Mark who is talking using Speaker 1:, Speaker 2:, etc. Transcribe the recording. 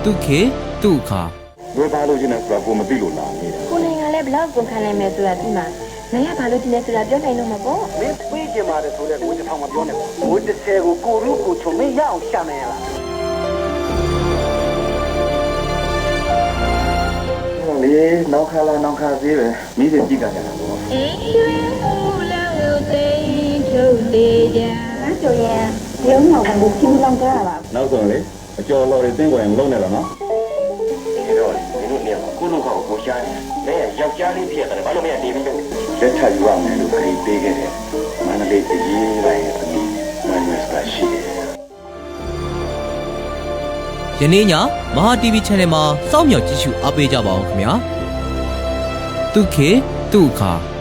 Speaker 1: တုခေတုခါ
Speaker 2: ဘယ်ပါလို့ကျင်းလဲဆိုတာကိုမသိလို့လာနေတာ
Speaker 3: ကိုနိုင်ကလည်းဘလောက်ကုန်ခံနိုင်မယ်ဆိုတာဒီမှာနိုင်ရဘာလို့ဒီလဲဆိုတာပြောနိုင်တော့မှာပေါ့
Speaker 4: မင်းပြေးကြမှာလေဆိုတဲ့ကိုတစ်ထောင်မပြောနဲ့ဘိုးတစ်ဆယ်ကိုရုကိုချုံမင်းရအောင်ရှာမယ်လား
Speaker 2: လေနောက်ခါလာနောက်ခါသေးပဲမိစေကြည့်ကြတာပေါ့
Speaker 3: အေးရွှေဦးလောက်သိထုတ်သေးကြကျော်ရဲ့ရုံးတော်ကဘူးချင်းလောင်းကြရပါ
Speaker 2: နောက်ဆုံးလေအကျော်တော်တွေတင်းကွယ်မလုံးနဲ့တော့နော်ဒီတော့ဒီလိုနေကိုလူကောင်ကိုရှားနေတယ်ယောက်ျားလေးဖြစ်ရတယ်ဘာလို့မရတီးပြီးလို့လက်ထပ်ယူရမယ်လို့ခရီးပေးခဲ့တယ်မန္တလေးအရေးပိုင်းရဲ့အမိမန်နက်စကရှိတယ်
Speaker 1: ယနေ့ညမဟာ TV Channel မှာစောင့်မျှော်ကြည့်ရှုအားပေးကြပါအောင်ခင်ဗျာတုခေတုခါ